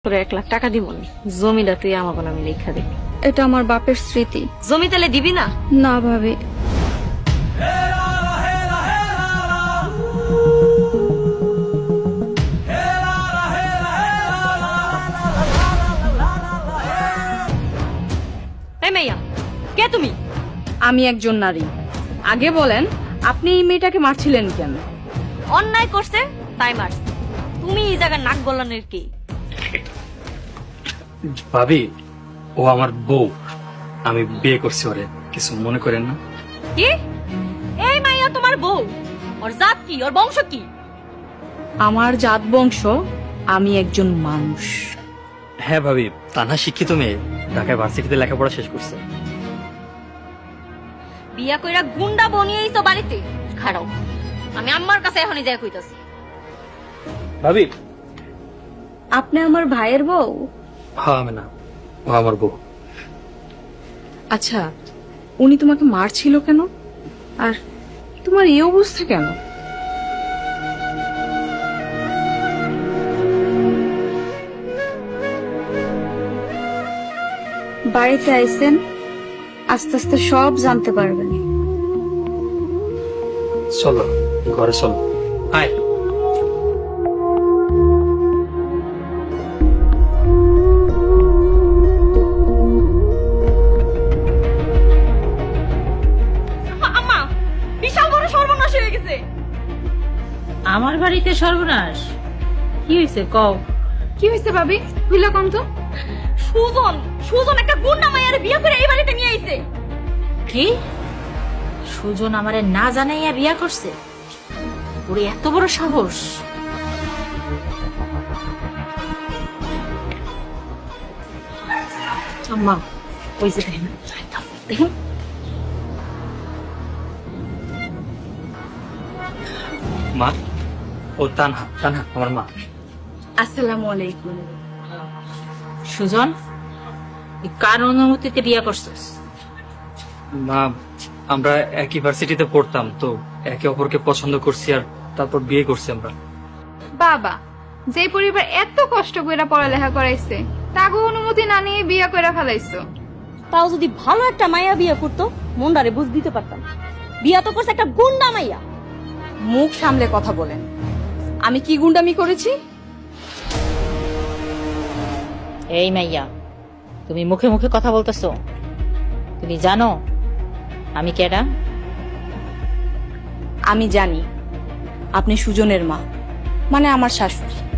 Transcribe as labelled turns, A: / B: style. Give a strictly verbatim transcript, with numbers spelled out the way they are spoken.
A: তোরে এক লাখ টাকা দিব নি, জমিটা তুই আমাকে নামে লেখা দে।
B: এটা আমার বাপের স্মৃতি।
A: জমি তাহলে দিবি না?
B: না ভাবি,
A: এই মাইয়া, কে তুমি?
B: আমি একজন নারী। আগে বলেন, আপনি এই মেয়েটাকে মারছিলেন কেন?
A: অন্যায় করছে তাই মারছ। তুমি এই জায়গার নাক গলানের কি?
C: ভাবি, ও আমার বউ, আমি বিয়ে করছি ওরে, কিছু মনে করেন না।
A: কি? এই মাইয়া তোমার বউ? ওর জাত কি, ওর বংশ কি?
B: আমার জাত বংশ, আমি একজন মানুষ।
C: হ্যাঁ ভাবি, তানহা শিক্ষিত মেয়ে, ঢাকায় ভার্সিটিতে লেখাপড়া শেষ করছে।
A: বিয়া কইরা গুন্ডা বনিয়েই তো বাড়িতে খাড়াও। আমি আম্মার কাছে এখনই যাই কইতাছি।
C: ভাবি,
B: আপনি আমার ভাইয়ের বউ?
C: হ্যাঁ আমি না, ও আমার বউ।
B: আচ্ছা, উনি তোমাকে মারছিল কেন? আর তোমার এই অবস্থা কেন? বাড়িতে আইছেন, আস্তে আস্তে সব জানতে পারবেন।
C: চলো ঘরে চলো। আয়।
A: আম্মা, বিশাল বড় সর্বনাশ হয়ে গেছে।
D: আমার বাড়িতে সর্বনাশ? কি হয়েছে কও?
B: কি হয়েছে ভাবি? হইলা কম তো।
A: সুজন, সুজন একটা গুন্ডা মাইয়ারে বিয়ে করে এই বাড়িতে নিয়ে আইছে।
D: কি? সুজন আমারে না জানাইয়া বিয়া করছে? ওরে এত বড় সাহস!
B: আম্মা, ওই যে দেখেন, দেখেন।
C: মা, ও তানহা, তানহা আমার মা।
B: আসসালামু আলাইকুম।
D: সুজন, তুই কার অনুমতিতে বিয়া করছিস?
C: মা, আমরা একই ভার্সিটিতে পড়তাম তো, একে অপরকে পছন্দ করছি আর তারপর বিয়ে করছি আমরা।
E: বাবা, যে পরিবার এত কষ্ট করে পড়ালেখা করাইছে তাগো অনুমতি না নিয়ে বিয়া করে ফেলাইছো।
A: তাও যদি ভালো একটা মাইয়া বিয়ে করতো, মনটারে বুঝ দিতে পারতাম। বিয়া তো করছে একটা গুন্ডা মাইয়া।
B: মুখ সামলে কথা বলেন। আমি কি গুন্ডামি করেছি?
D: এই মাইয়া, তুমি মুখে মুখে কথা বলতেছো? তুমি জানো আমি কেডা?
B: আমি জানি আপনি সুজনের মা, মানে আমার শাশুড়ি।